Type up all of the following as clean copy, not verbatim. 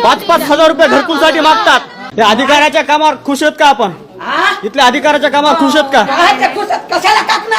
5-5 हजार रुपये घरकुलसाठी मागतात। या अधिकाऱ्याच्या कामावर खुश आहेत का आपण? इथल्या अधिकाऱ्याच्या कामावर खुश आहेत का? कशाला कापून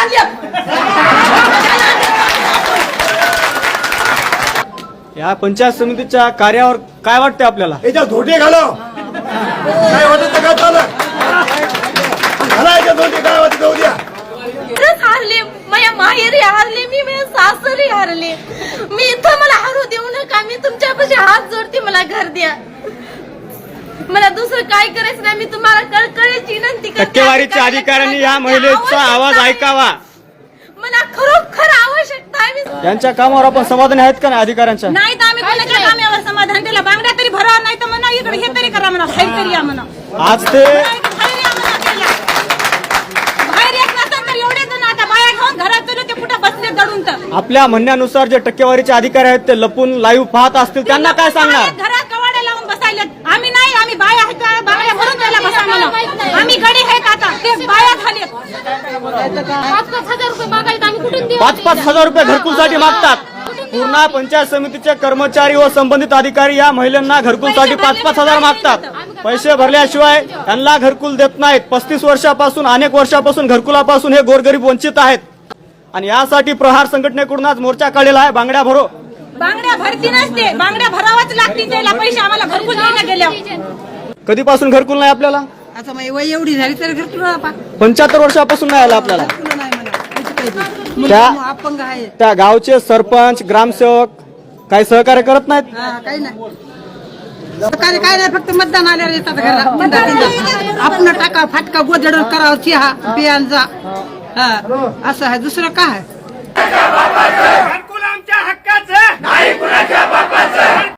या पंचायत समितीच्या कार्यावर काय वाटतं आपल्याला? याच्या धोटे घालव काय वाटत का चालू घालायच्या धोटे काय वाटत जाऊ द्या। हारले माझ्या माहेरी हारले मी माझ्या सासरी हारले मी इथं मला हरू देऊ नका मी तुमच्यापाशी हात जोडते मला घर द्या मला दुसरं काय करायचं नाही मी तुम्हाला कळकळीची विनंती करते। टक्केवारीच्या अधिकाऱ्यांनी या महिलेचा आवाज ऐकावा मला खरोखर आवश्यकता आहे। यांच्या कामावर आपण समाधानी आहेत का नाही अधिकाऱ्यांच्या? नाही तर आम्ही कोणाच्या कामावर समाधान त्याला बांगड्या तरी भरावा नाही तर म्हणा इकडे हे तरी करा म्हणा बाहेर तरी या म्हणा आज ते बाहेर येत नसेल तर एवढे जण आता बाया घेऊन घरात चलू ते कुठं बसले दडून तर आपल्या म्हणण्यानुसार जे टक्केवारीचे अधिकारी आहेत ते लपून लाईव्ह पाहत असतील त्यांना काय सांगणार? घरात कवाडे लावून बसायले आम्ही नाही आम्ही बाया आहेत बांगड्या भरून त्याला बसा म्हणा आम्ही गडी आहेत आता ते बाया झालेत 5-5 हजार रुपये मागायला आम्ही कुठून देऊ? 5-5 हजार रुपये घरकुलसाठी मागतात। पूर्ण पंचायत समितीचे कर्मचारी व संबंधित अधिकारी या महिलांना घरकुलसाठी 5-5 हजार मागतात। पैसे भरल्याशिवाय त्यांना घरकुल देत नाहीत। 35 वर्षापासून अनेक वर्षापासून घरकुलापासून हे गोरगरीब वंचित आहेत आणि यासाठी प्रहार संघटनेकडून आज मोर्चा काढलेला आहे। बांगड्या भरो बांगड्या भरती नसते बांगड्या भरावाच लागतील त्याला पैसे आम्हाला घरकुल देण्या गेल्या कधीपासून घरकुल नाही आपल्याला? आता माझी वय एवढी झाली तर घर तुला 75 वर्षापासून नाही आलं आपल्याला। अपंग आहे त्या गावचे सरपंच ग्रामसेवक काही सहकार्य करत नाहीत? काही नाही सरकारी काय नाही फक्त मतदान आल्यावर येतात घराला आपण टाका फाटका गोधड करावं चिहा बियांचा असं आहे दुसरं काय आहे? घरकुल आमच्या हक्काचं नाही कुणाच्या बापाचं